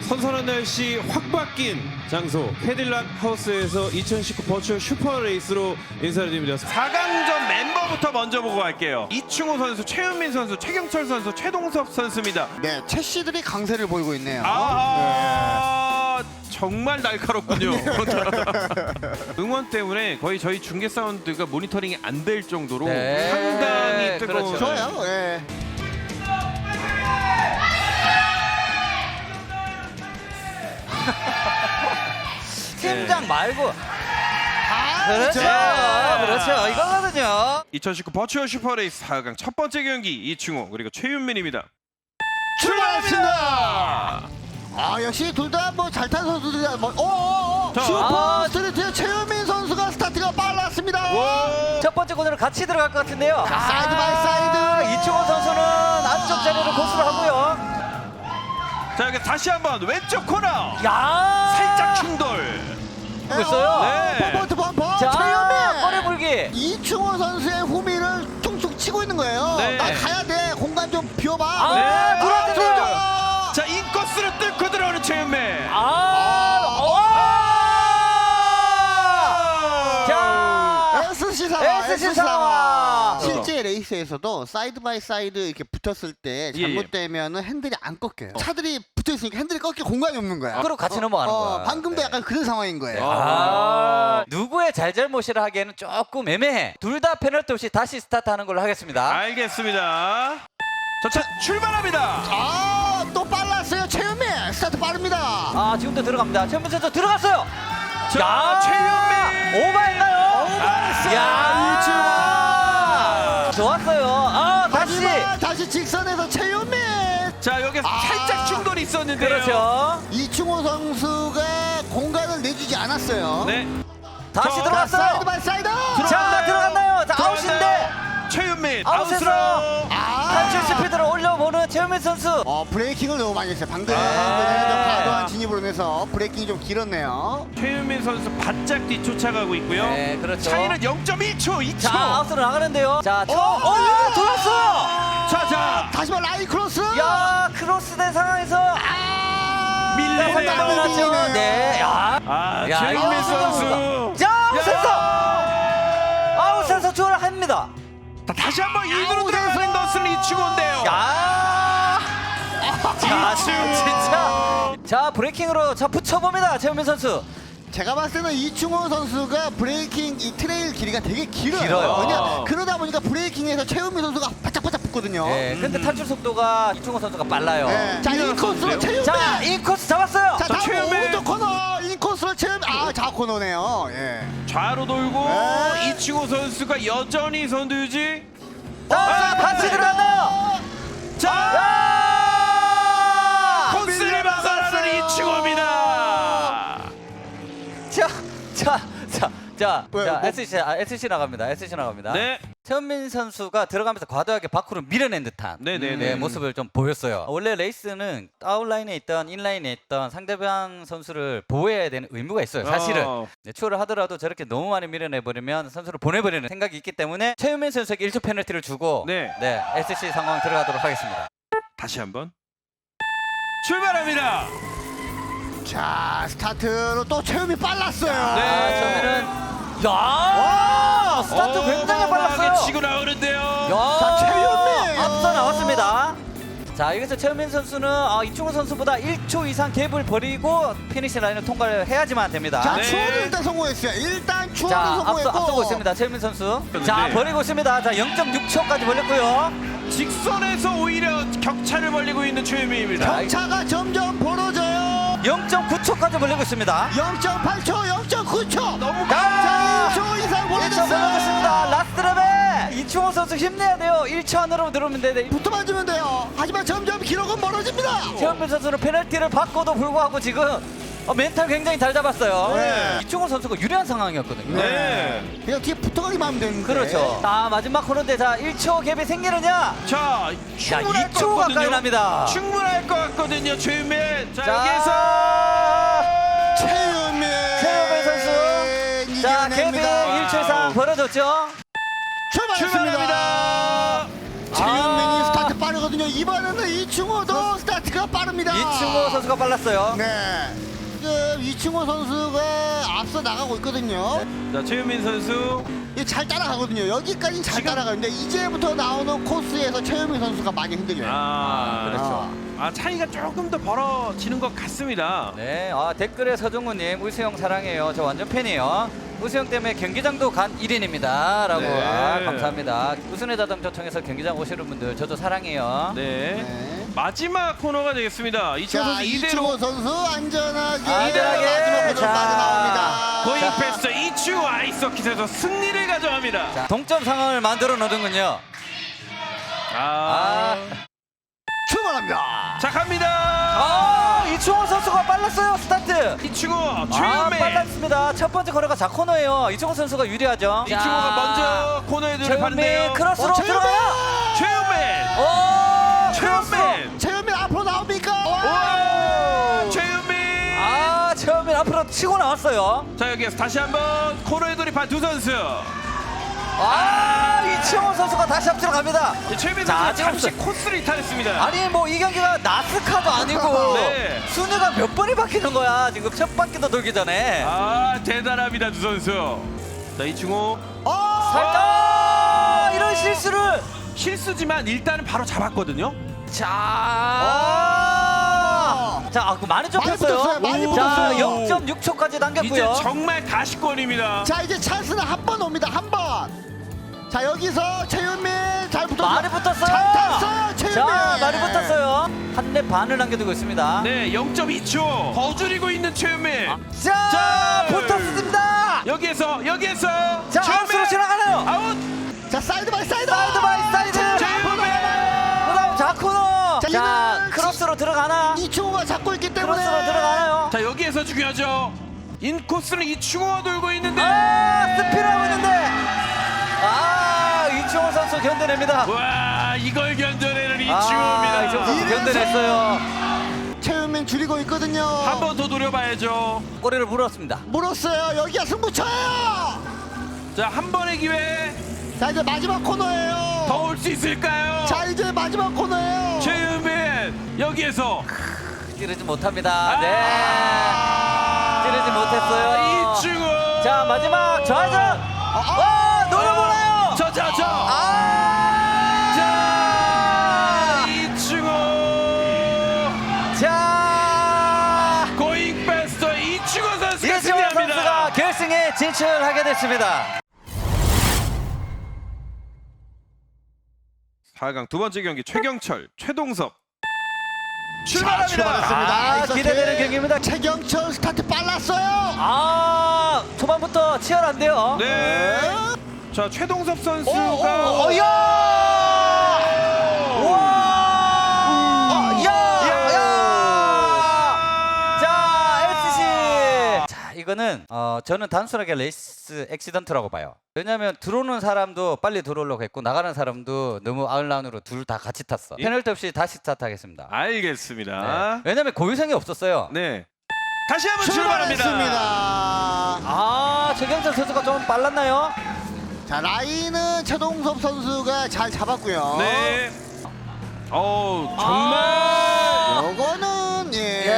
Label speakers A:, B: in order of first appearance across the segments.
A: 선선한 날씨 확 바뀐 장소 캐딜락 하우스에서 2019 버추얼 슈퍼 레이스로 인사를 드립니다.
B: 4강전 멤버부터 먼저 보고 갈게요. 이충호 선수, 최윤민 선수, 최경철 선수, 최동섭 선수입니다.
C: 네, 채씨들이 강세를 보이고 있네요.
B: 정말 날카롭군요. 응원 때문에 거의 저희 중계 사운드가 모니터링이 안 될 정도로
D: 네.
B: 상당히 뜨거운.
D: 그렇죠.
C: 좋아요. 예.
D: 팀장 말고.
C: 아,
D: 그렇죠. 그렇죠. 이거거든요.
B: 2019 버추얼 슈퍼레이스 4강 첫 번째 경기 이충호 그리고 최윤민입니다.
C: 출발합니다. 아, 역시 둘 다 뭐 잘 탄 선수들이다. 뭐,
B: 자,
C: 슈퍼 스트리트 최윤민 선수가 스타트가 빨랐습니다.
D: 첫 번째 코너로 같이 들어갈 것 같은데요.
C: 자, 사이드 바이 사이드.
D: 이충호 선수는 안쪽 자리를 고수를 하고요.
B: 자, 여기 다시 한번 왼쪽 코너.
D: 야,
B: 살짝 충돌.
D: 하고 있어요.
B: 네.
C: 범퍼 범퍼.
D: 자,
C: 최윤민.
D: 꼬리 물기.
C: 이충호 선수의 후미를 퉁퉁 치고 있는 거예요.
B: 네.
C: 나 가야 돼. 공간 좀 비워봐.
D: 아,
B: 네.
D: 들어왔는데요.
B: 자, 인코스를 뚫고 들어오는 최윤민.
D: 자,
C: SC 상황.
D: SC 상황.
C: 실제 레이스에서도 사이드 바이 사이드 이렇게 붙었을 때
B: 예,
C: 잘못되면은 핸들이 안 꺾여요. 차들이 붙어 있으니까 핸들이 꺾일 공간이 없는 거야.
D: 그리고 같이 넘어가는 거야.
C: 방금도
D: 네.
C: 약간 그런 상황인 거예요.
D: 누구의 잘잘못이라 하기에는 조금 애매해. 둘 다 페널티 없이 다시 스타트하는 걸로 하겠습니다.
B: 알겠습니다. 자, 출발합니다.
C: 또 빨랐어요. 최윤민 스타트 빠릅니다.
D: 지금도 들어갑니다. 최윤민 선수 들어갔어요.
B: 자, 최윤민.
D: 오바인가요?
C: 오바했어요.
D: 야, 좋았어요.
C: 다시 직선에서 최윤민.
B: 자, 여기서 살짝 충돌이 있었는데요.
D: 그렇죠.
C: 이충호 선수가 공간을 내주지 않았어요.
B: 네.
D: 다시
B: 자,
D: 들어갔어요.
C: 사이드 바이 사이드.
D: 자, 들어갔나요? 자, 아웃인데.
B: 들어갔나요? 최윤민
D: 아웃으로.
B: 아웃으로.
D: 탈출 스피드를 올려보는 최윤민 선수.
C: 브레이킹을 너무 많이 했어요. 방금 과도한 진입으로 인해서 브레이킹이 좀 길었네요.
B: 최윤민 선수 바짝 뒤쫓아가고 있고요.
D: 네, 그렇죠.
B: 차이는 0.1초, 2초.
D: 자, 아웃으로 나가는데요. 자, 돌았어.
B: 자.
C: 다시 말 라인 크로스.
D: 야, 크로스된 상황에서
B: 밀리네요.
D: 밀렸죠. 네. 야,
B: 최윤민
D: 이거.
B: 선수.
D: 자, 아웃에서. 아웃에서 추월합니다.
B: 다시 한번 일부러 들어가는 것은 이충호인데요.
D: 야. 자,
B: 이충호.
D: 진짜. 자, 브레이킹으로 자 붙여봅니다. 최윤민 선수.
C: 제가 봤을 때는 이충호 선수가 브레이킹 이 트레일 길이가 되게 길어요.
D: 길어요.
C: 그냥 그러다 보니까 브레이킹에서 최윤민 선수가 바짝바짝 붙거든요.
D: 네, 근데 탈출 속도가 이충호 선수가 빨라요.
C: 네. 자, 인코스로 최윤민.
D: 자, 이 코스 잡았어요.
C: 자, 다음
B: 최윤민.
C: 오른쪽 코너 인코스로 최윤민. 좌코너네요. 예.
B: 좌로 돌고
C: 네.
B: 이충호 선수가 여전히 선두 유지.
D: 자, 같이 들어갔나요?
B: 자, 코스를 벗어나는 이충호입니다.
D: 자,
C: 왜, 뭐?
D: SC 나갑니다. SC 나갑니다.
B: 네.
D: 최윤민 선수가 들어가면서 과도하게 밖으로 밀어낸 듯한
B: 네네네.
D: 모습을 좀 보였어요. 원래 레이스는 아웃라인에 있던 인라인에 있던 상대방 선수를 보호해야 되는 의무가 있어요. 사실은 추월을 하더라도 저렇게 너무 많이 밀어내버리면 선수를 보내버리는 생각이 있기 때문에 최윤민 선수에게 1초 페널티를 주고
B: 네.
D: SC 상황 들어가도록 하겠습니다.
B: 다시 한번 출발합니다.
C: 자, 스타트로 또 최윤민 빨랐어요.
B: 네.
D: 처음에는 스타트 굉장히 빨랐어요.
B: 치고 나오는데요.
C: 자, 최윤민.
D: 앞서 나왔습니다. 자, 여기서 최윤민 선수는 이충호 선수보다 1초 이상 갭을 버리고 피니시 라인을 통과를 해야지만 됩니다.
C: 자,
B: 네.
C: 추월을 일단 성공했어요. 일단 추월을
D: 자,
C: 성공했고.
D: 앞서고 있습니다. 최윤민 선수. 자,
B: 네.
D: 버리고 있습니다. 자, 0.6초까지 벌렸고요.
B: 직선에서 오히려 격차를 벌리고 있는 최윤민입니다.
C: 격차가 점점 벌어져요.
D: 0.9초까지 벌리고 있습니다.
C: 0.8초, 0.9초.
B: 너무
C: 자, 1초 이상
D: 1초
C: 벌어졌어요.
D: 벌어졌습니다. 라스트 랩에 이충호 선수 힘내야 돼요. 1초 안으로 들어오면 돼.
C: 붙어만 주면 돼요. 하지만 점점 기록은 멀어집니다.
D: 최윤민 선수는 페널티를 받고도 불구하고 지금 멘탈 굉장히 잘 잡았어요.
C: 네.
D: 이충호 선수가 유리한 상황이었거든요.
B: 네.
C: 그냥 뒤에 붙어가기만 하면 되는데.
D: 그렇죠. 자, 마지막 코너인데 자, 1초 갭이 생기느냐?
B: 자,
D: 자, 2초 가까이 납니다.
B: 충분할 것 같거든요, 최윤민. 자,
D: 자,
B: 여기서
C: 최윤민
D: 선수. 자, 갭이 1초 이상 벌어졌죠?
C: 출발했습니다.
B: 출발합니다.
C: 최윤민이 스타트 빠르거든요. 이번에는 이충호도 스타트가 빠릅니다. 빠릅니다.
D: 이충호 선수가 빨랐어요.
C: 네. 지금 이충호 선수가 앞서 나가고 있거든요.
B: 자, 최윤민 선수.
C: 이게 잘 따라가거든요. 여기까지는 잘 따라가는데 이제부터 나오는 코스에서 최유민 선수가 많이 흔들려요.
D: 그렇죠.
B: 차이가 조금 더 벌어지는 것 같습니다.
D: 네, 댓글에 서정우님 우수영 사랑해요. 저 완전 팬이에요. 우수영 때문에 경기장도 간 1인입니다. 라고
B: 네.
D: 감사합니다. 우순의 자동차청에서 경기장 오시는 분들 저도 사랑해요.
B: 네.
C: 네.
B: 마지막 코너가 되겠습니다. 이충호
C: 자,
B: 선수 이대로
C: 이충호 선수 안전하게
D: 안전하게.
C: 마지막 코너로
D: 자.
C: 빠져나옵니다.
B: 고잉 패스터 이충호 아이서킷에서 승리를 가져갑니다.
D: 자, 동점 상황을 만들어 놓는군요.
C: 출발합니다.
B: 자, 갑니다.
D: 이충호 선수가 빨랐어요. 스타트.
B: 이충호, 최윤민.
D: 빨랐습니다. 첫 번째 코너가 자코너예요. 이충호 선수가 유리하죠.
B: 이충호가 먼저 코너에 들어가는데요.
D: 최윤민 크로스로
C: 최윤민!
D: 들어가요.
B: 최윤민.
D: 최윤민.
C: 최유민 앞으로 나옵니까?
B: 와! 최윤민.
D: 최윤민 앞으로 치고 나왔어요.
B: 자, 여기에서 다시 한번 코너에 돌입한 두 선수.
D: 이충호 선수가 다시 앞으로 갑니다.
B: 최윤민
D: 자,
B: 선수 잠시
D: 지금
B: 코스를 이탈했습니다.
D: 아니 뭐 이 경기가 나스카도 아니고
B: 네.
D: 순위가 몇 번이 바뀌는 거야. 지금 첫 바퀴도 돌기 전에.
B: 대단합니다, 두 선수. 자, 이충호
D: 살짝 이런 실수를.
B: 실수지만 일단은 바로 잡았거든요.
D: 그 많이 좁혔어요.
C: 붙었어요, 많이
D: 자,
C: 붙었어요.
D: 0.6초까지
B: 이제
D: 당겼고요.
B: 정말 가시권입니다.
C: 자, 이제 찬스는 한 번 옵니다. 한 번. 자, 여기서 최유민 잘 붙었어요.
D: 많이 붙었어요.
C: 잘 탔어요, 최유민.
D: 자, 많이 붙었어요. 한 랩 반을 남겨두고 있습니다.
B: 네, 0.2초 더 줄이고 있는 최윤민.
D: 자, 붙었습니다.
B: 여기에서
D: 자, 아웃으로 지나가네요.
B: 아웃.
C: 자, 사이드 바이 사이드.
D: 사이드 바이 사이드.
B: 최윤민.
D: 그다음 자코너.
C: 자,
D: 자,
C: 이제는
D: 크로스로 들어가나?
C: 이충호가 잡고 있기 때문에
D: 크로스로 들어가나요?
B: 자, 여기에서 중요하죠. 인코스는 이충호가 돌고 있는데.
D: 스피드하고 있는데. 이충호 선수 견뎌냅니다.
B: 와, 이걸 견뎌내는 이충호입니다.
D: 이충호 선수 견뎌냈어요.
C: 최유민 줄이고 있거든요.
B: 한 번 더 노려봐야죠.
D: 꼬리를 물었습니다.
C: 물었어요. 여기가 승부처예요.
B: 자, 한 번의 기회
C: 자, 이제 마지막 코너예요.
B: 더 올 수 있을까요?
C: 자, 이제 마지막 코너예요.
B: 최윤민 여기에서
D: 찌르지 못합니다. 찌르지 못했어요.
B: 이충호.
D: 자, 마지막 좌회전. 노려보나요?
B: 자, 이충호.
D: 자,
B: 고잉 패스터 이충호 선수가
D: 이충호
B: 승리합니다.
D: 선수가 결승에 진출하게 됐습니다.
B: 4강 두 번째 경기 최경철, 최동섭
C: 자,
B: 출발합니다.
C: 출발했습니다.
D: 기대되는 경기입니다.
C: 최경철 스타트 빨랐어요.
D: 초반부터 치열한데요.
B: 네. 자, 최동섭 선수가
D: 자, 이거는 저는 단순하게 레이스 액시던트라고 봐요. 왜냐하면 들어오는 사람도 빨리 들어오려고 했고 나가는 사람도 너무 아웃라운으로 둘 다 같이 탔어. 페널티 없이 다시 스타트하겠습니다.
B: 알겠습니다.
D: 왜냐하면 고유성이 없었어요.
B: 네. 다시 한번 출발합니다.
C: 출발했습니다.
D: 최경철 선수가 좀 빨랐나요?
C: 자, 라인은 최동섭 선수가 잘 잡았고요.
B: 네. 정말
C: 요거는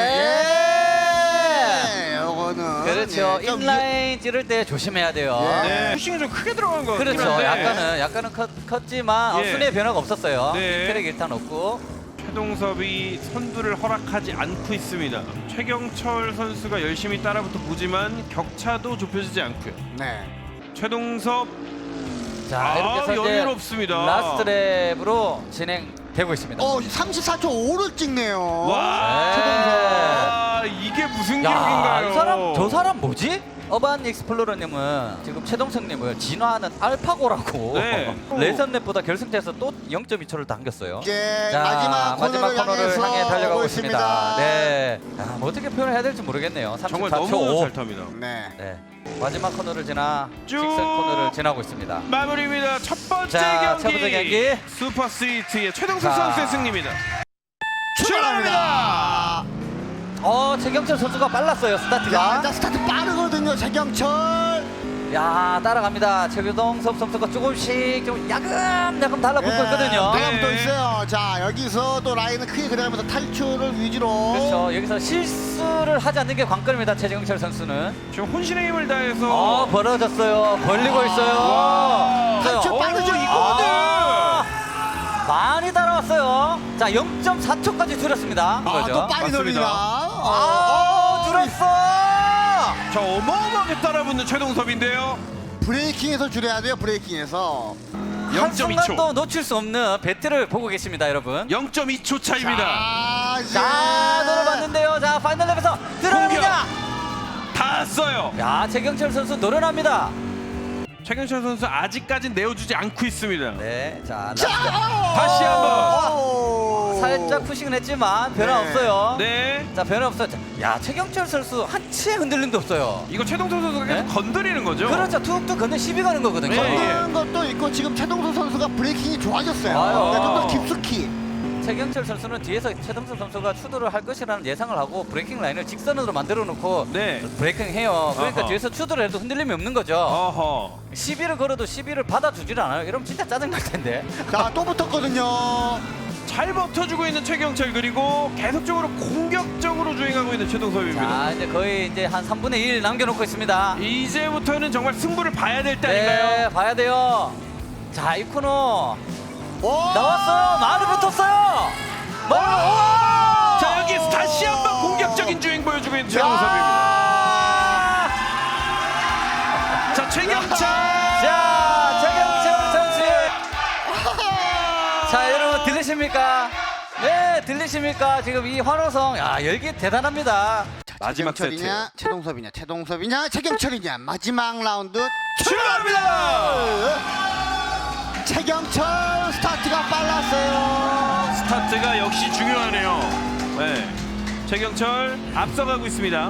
C: 요거는
D: 그렇죠.
C: 좀
D: 인라인 찌를 때 조심해야 돼요.
B: 네. 푸싱이 좀 크게 들어간 것 같긴
D: 그렇죠.
B: 한데
D: 약간은 컸지만
B: 예.
D: 순위의 변화가 없었어요.
B: 네.
D: 트랙 일단 없고.
B: 최동섭이 선두를 허락하지 않고 있습니다. 최경철 선수가 열심히 따라붙어 보지만 격차도 좁혀지지 않고요.
C: 네.
B: 최동섭
D: 자, 이렇게 해서 이제
B: 여유롭습니다.
D: 라스트 랩으로 진행되고 있습니다.
C: 34초 5를 찍네요.
B: 와,
C: 최동섭.
B: 이게 무슨
D: 야,
B: 기록인가요?
D: 저 사람 뭐지? 어반 익스플로러님은 지금 최동석님을 진화하는 알파고라고
B: 네.
D: 레이선랩보다 결승체에서 또 0.2초를 당겼어요.
C: 이제
D: 자,
C: 마지막 코너를
D: 향해 달려가고
C: 오고
D: 있습니다. 네, 뭐 어떻게 표현해야 될지 모르겠네요. 34초
B: 정말 너무
D: 5.
B: 잘 탑니다.
C: 네.
D: 네, 마지막 코너를 지나
B: 쭉
D: 직선 코너를 지나고 있습니다.
B: 마무리입니다. 첫 번째
D: 자,
B: 경기.
D: 첫 번째 경기.
B: 슈퍼 스위트의 최동섭
D: 자.
B: 선수의 승리입니다.
C: 출발합니다.
D: 최경철 선수가 빨랐어요. 스타트가.
C: 자, 스타트 빠르거든요, 최경철.
D: 야 따라갑니다. 최규동섭 선수가 조금씩 좀 야금 달라붙고 있거든요.
C: 달라붙어
B: 네.
C: 있어요. 자, 여기서 또 라인을 크게 그려가면서 탈출을 위주로.
D: 그렇죠. 여기서 실수를 하지 않는 게 관건입니다. 최경철 선수는.
B: 지금 혼신의 힘을 다해서
D: 벌어졌어요. 벌리고 있어요.
B: 와.
C: 탈출 빠르죠.
D: 많이 따라왔어요. 자 0.4초까지 줄였습니다.
C: 또 빨리
B: 맞습니다.
C: 돌립니다.
D: 줄였어.
B: 자, 어마어마하게 따라붙는 최동섭인데요.
C: 브레이킹에서 줄여야 돼요. 브레이킹에서.
D: 한
B: 0.2초.
D: 순간도 놓칠 수 없는 배틀을 보고 계십니다, 여러분.
B: 0.2초 차입니다.
D: 자, 노려봤는데요. 자, 파이널 랩에서 들어갑니다.
B: 다 써요.
D: 야, 최경철 선수 노련합니다.
B: 최경철 선수 아직까진 내어주지 않고 있습니다.
D: 네, 자,
B: 다시 한번.
D: 살짝 푸싱은 했지만 변화
C: 네.
D: 없어요.
B: 네.
D: 자, 변화 없어요. 자, 야, 최경철 선수 한치의 흔들림도 없어요.
B: 이거 최동섭 선수가 계속
D: 네?
B: 건드리는 거죠?
D: 그렇죠. 툭툭 건데 시비 가는 거거든요.
B: 네.
C: 그런 것도 있고 지금 최동수 선수가 브레이킹이 좋아졌어요.
D: 아유.
C: 좀 더 깊숙이.
D: 최경철 선수는 뒤에서 최동섭 선수가 추돌을 할 것이라는 예상을 하고 브레이킹 라인을 직선으로 만들어 놓고
B: 네.
D: 브레이킹 해요. 그러니까
B: 어허.
D: 뒤에서 추돌을 해도 흔들림이 없는 거죠.
B: 어허.
D: 시비를 걸어도 시비를 받아주질 않아요. 이러면 진짜 짜증날 텐데.
C: 자, 또 붙었거든요.
B: 잘 버텨주고 있는 최경철 그리고 계속적으로 공격적으로 주행하고 있는 최동섭입니다.
D: 자, 이제 거의 이제 한 3분의 1 남겨놓고 있습니다.
B: 이제부터는 정말 승부를 봐야 될 때
D: 네,
B: 아닌가요?
D: 봐야 돼요. 자, 이 코너
C: 오!
D: 나왔어요. 많이 붙었어요.
B: 자, 여기서 다시 한번 공격적인 주행 보여주고 있는 최동섭입니다. 자, 최경철.
D: 자, 최경철 선수. 자, 여러분 들리십니까? 네, 들리십니까? 지금 이 환호성, 야, 열기 대단합니다.
B: 마지막 세트
C: 최경철이냐, 최동섭이냐, 최동섭이냐, 최경철이냐. 마지막 라운드
B: 출발합니다.
C: 최경철 스타트가 빨랐어요.
B: 스타트가 역시 중요하네요. 네. 최경철 앞서가고 있습니다.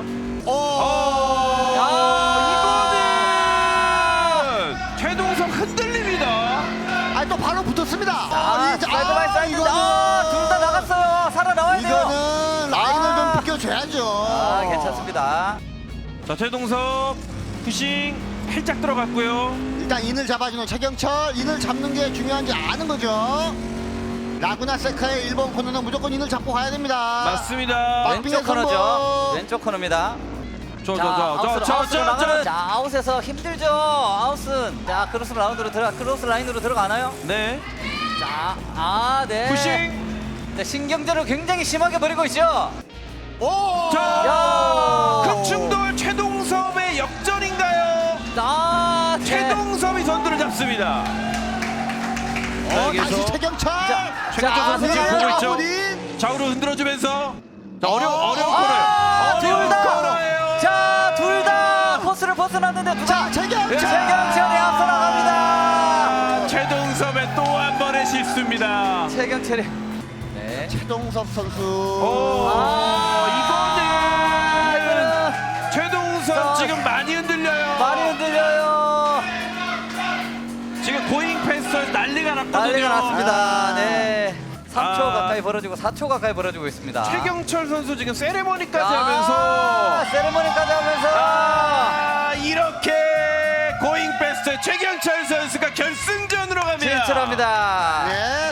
B: 이거는 최동섭 흔들립니다.
C: 아니 또 바로 붙었습니다.
D: 아, 사이드 바이 사이드. 아, 둘 다 나갔어요. 살아나와야 돼요.
C: 이거는 라인을 좀 비껴줘야죠.
D: 아, 괜찮습니다.
B: 자, 최동섭 푸싱 살짝 들어갔고요.
C: 일단 인을 잡아주는 최경철. 인을 잡는 게 중요한지 아는 거죠. 라구나 세카의 1번 코너는 무조건 인을 잡고 가야 됩니다.
B: 맞습니다.
D: 왼쪽 코너죠. 왼쪽 코너입니다. 자, 아웃으로 나가는. 자, 아웃에서 힘들죠. 아웃은. 자, 크로스 라인으로 들어가나요?
B: 네.
D: 자, 네.
B: 푸싱.
D: 네, 신경전을 굉장히 심하게 벌이고 있죠.
C: 오!
B: 자,
D: 야.
B: 극충돌 최동섭의 역전인가요?
D: 네.
B: 최동섭이 선두를 잡습니다.
C: 다시 최경철.
B: 최경철 선수 지금 보고 있죠?
C: 아우린.
B: 좌우로 흔들어주면서 자, 어려운
D: 둘 다.
B: 코너예요.
D: 자, 둘 다 코스를 벗어났는데 누가?
C: 최경철.
D: 최경철이 앞서 나갑니다.
B: 최동섭의 또 한 번의 실수입니다.
D: 최경철이. 네.
C: 최동섭 선수.
B: 이거는 최동섭 지금 많이 흔들려요.
D: 많이 흔들려요.
B: 지금 고잉 패스에서 난리가 났거든요.
D: 난리가 났습니다. 네. 3초
B: 아.
D: 가까이 벌어지고 4초 가까이 벌어지고 있습니다.
B: 최경철 선수 지금 세레머니까지
D: 아,
B: 하면서
D: 세레머니까지 하면서
B: 이렇게 고잉 패스트 최경철 선수가 결승전으로 갑니다.
D: 진출합니다.
C: 네.